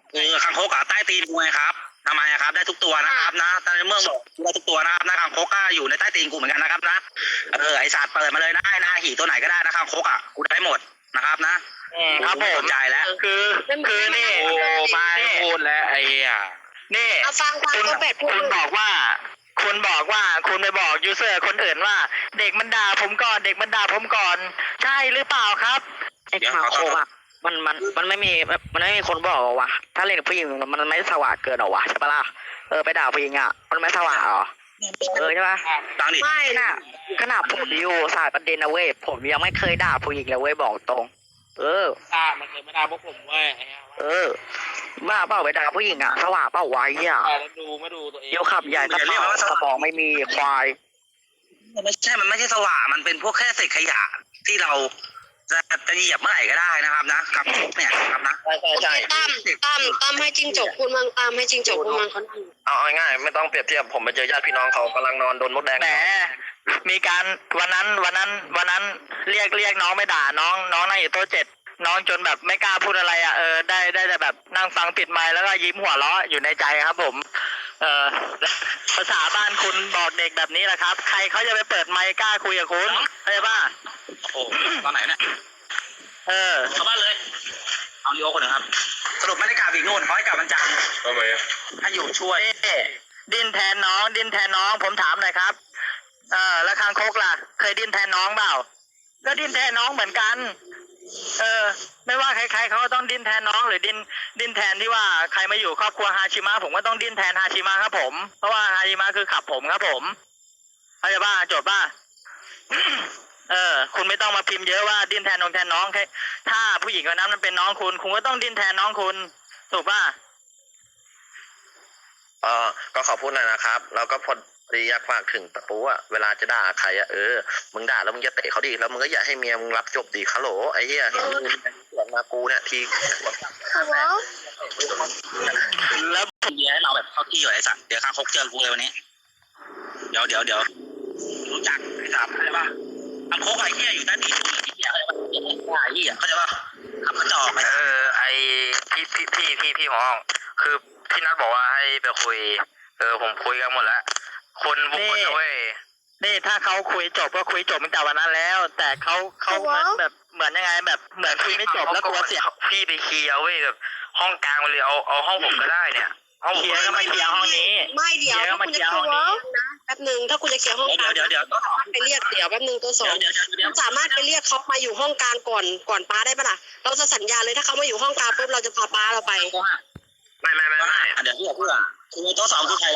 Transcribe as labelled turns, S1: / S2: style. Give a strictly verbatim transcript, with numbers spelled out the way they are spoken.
S1: เออคางคกอะใต้ตีนกูไงครับทำไมอะครับได้ทุกตัวนะครับนะตอนนี้เมืองบอกได้ทุกตัวนะครับนะคางคกก็อยู่ในใต้ตีนกูเหมือนกันนะครับนะเออไอสัตว์เปิดมาเลยนะไอ้นาหีตัวไหนก็ได้นะคางคกอะกูได้หมดนะครับนะครับผมสนใจแล้ว
S2: คือคือนี่
S3: โอ้มาพูดแล้วไอ้เหี้ย
S2: นี่
S4: เอาฟังฟัง
S2: คุณ
S4: ตัวเป็ดพูด
S2: คุณบอกว่า คุณบอกว่าคุณไปบอกยูเซอร์คนอื่นว่า เด็กมันด่าผมก่อนเด็กมันด่าผมก่อน ใช่หรือเปล่าครับ
S5: ไอ้คางคกอ่ะมันมันมันไม่มีมันไม่มีคนบอกหรอวะถ้าเล่นกับผู้หญิงมันไม่สว่างเกินหรอวะใช่ปะล่ะเออไปด่าผู้หญิงอ่ะมันไม่สว่างหรอเออใช่ปะ
S1: ดังดิ
S5: ไม่น่ะขนาดผมอยู่สายประเด็นนะเว้ยผมยังไม่เคยด่าผู้หญิงเลยเว้ยบอกตรง เออ
S3: ด่ามันเคยไม่ด่าพวกผมเว้ยไอ้เหี้ย
S5: เออบ้าเปล่าไปด่าผู้หญิงอ่ะสว่างเปล่าไว้อ่ะ
S3: แต่แล้วดูไม่ดูตัวเอง
S5: เดี๋ยวขับใหญ่ตะเผาสมองไม่มีควาย
S1: ไม่ใช่มันไม่ใช่สว่างมันเป็นพวกแค่เศษขยะที่เราจะจะเหยียบเมื่อไหร่ก็ได้นะครับนะคางคกเนี่ยครับนะ
S2: ใช่ใช่
S4: โอเค
S2: ใช่
S4: ตั้มตั้มตั้มให้จิ้งจกพูดมั่งตั้มให้จิ้งจกพูดมั่งเขานั่ง
S2: เอาง่ายๆไม่ต้องเปรียบเทียบผมไปเจอญาติพี่น้องเขากำลังนอนโดนมดแดงแหมมีการวันนั้นวันนั้นวันนั้นเรียกเรียกน้องไม่ด่าน้องน้องนั่งอยู่โต๊ะเจ็ดน้องจนแบบไม่กล้าพูดอะไรอ่ะเออได้ได้แต่แบบนั่งฟังปิดไมค์แล้วก็ยิ้มหัวเราะอยู่ในใจครับผม เออภาษาบ้านคุณบอกเด็กแบบนี้แหละครับ ใครเขาจะไปเปิดไมค์กล้าคุยกับคุณเข้าใจป่ะ
S1: โอ้โหตอนไหนเนี่ย
S2: เออ
S1: เข้าบ้านเลยเอาลีโอคนหนึ่งครับสรุปไม่ได้กลับอีกนู่นเขาให้กลับวันจันทร์
S3: ทำไมอะ
S1: ให้อยู่ช่วย
S2: เอ๊ะดิ้นแทนน้อง ดิ้นแทนน้องผมถามหน่อยครับ เออแล้วคางคกล่ะ เคยดิ้นแทนน้องเปล่าก็ดิ้นแทนน้องเหมือนกัน เออ ไม่ว่าใครๆเขาก็ต้องดิ้นแทนน้องหรือดิ้นดิ้นแทนที่ว่าใครมาอยู่ครอบครัวฮาชิมะผมก็ต้องดิ้นแทนฮาชิมะครับผมเพราะว่าฮาชิมะคือขับผมครับผมเข้าใจป่ะจบป่ะ เออ คุณไม่ต้องมาพิมพ์เยอะว่าดิ้นแทนน้องแทนน้องแค่ถ้าผู้หญิงคนนั้นมันเป็นน้องคุณ คุณก็ต้องดิ้นแทนน้องคุณถูกป่ะ
S6: เออก็ขอพูดหน่อยนะครับ แล้วก็พอดีอยากฝากถึงตะปูอะเวลาจะด่าใครอะเออ มึงด่าแล้วมึงจะเตะเขาดีแล้วมึงก็อย่าให้เมียมึงรับจบดีฮัลโหลไอ้เหี้ยเห็นมึงสวนมากูเนี่ยที
S4: หัว
S1: แล้วผมเบียร์ให้เราแบบเข้าที่อยู่ไอ้สัตว์เดี๋ยวคางคกเจอกูเลยวันนี้ เดี๋ยวเดี๋ยวเดี๋ยวรู้จักไอ้สัตว์อะไรปะคางคกไอ้เหี้ยอยู่ใต้ตีนกูไอ้เหี้ยอะไรปะไอ้เหี้ยเข้าใจปะขับกระจอกไป
S2: เออไอพี่พี่พี่พี่พี่หมอคือพี่นัทบอกว่าให้ไปคุย เออผมคุยกันหมดแล้วคนบุคคลเว้ยนี่ถ้าเขาคุยจบก็คุยจบตั้งแต่วันนั้นแล้ว แต่เขาเขาเหมือนแบบเหมือนยังไงแบบเหมือนคุยไม่จบแล้วกลัวเสียพี่ไปเคลียร์เว้ยแบบห้องกลางเลยเอาเอาห้องผมก็ได้เนี่ยห้องเคลียร์ก็มาเคลียร์ห้องนี้
S4: ไม่เดี๋ยว
S2: เคลียร์ก็
S4: ถ้า
S2: มา
S4: คุณ
S2: เคลี
S4: จะ
S2: ยร์
S4: เค
S2: ห้
S4: ลี
S2: อง
S4: ย
S2: นี้
S4: ร์นะแป๊บหนึ่งถ้าคุณจะเคลียร์ห้องก
S1: เดี๋ย
S4: ลาว ง
S1: เดี๋ยวเดี๋ยวเดี๋ยว
S4: ไปเรียกเดี๋ยวแป๊บหนึ่งตัวสอง
S1: เดี๋ยวเดี๋ยวเดี๋ยว
S4: สามารถไปเรียกเขามาอยู่ห้องกลางก่อนก่อนป้าได้ปะล่ะเราจะสัญญาเลยถ้าเขามาอยู่ห้องกลางปุ๊บเราจะพาป้าเราไป
S1: ไม่ไม่ไม่ไม่เดี๋ยวเพื่อนเพื่อนคือโต๊ะสองคือใคร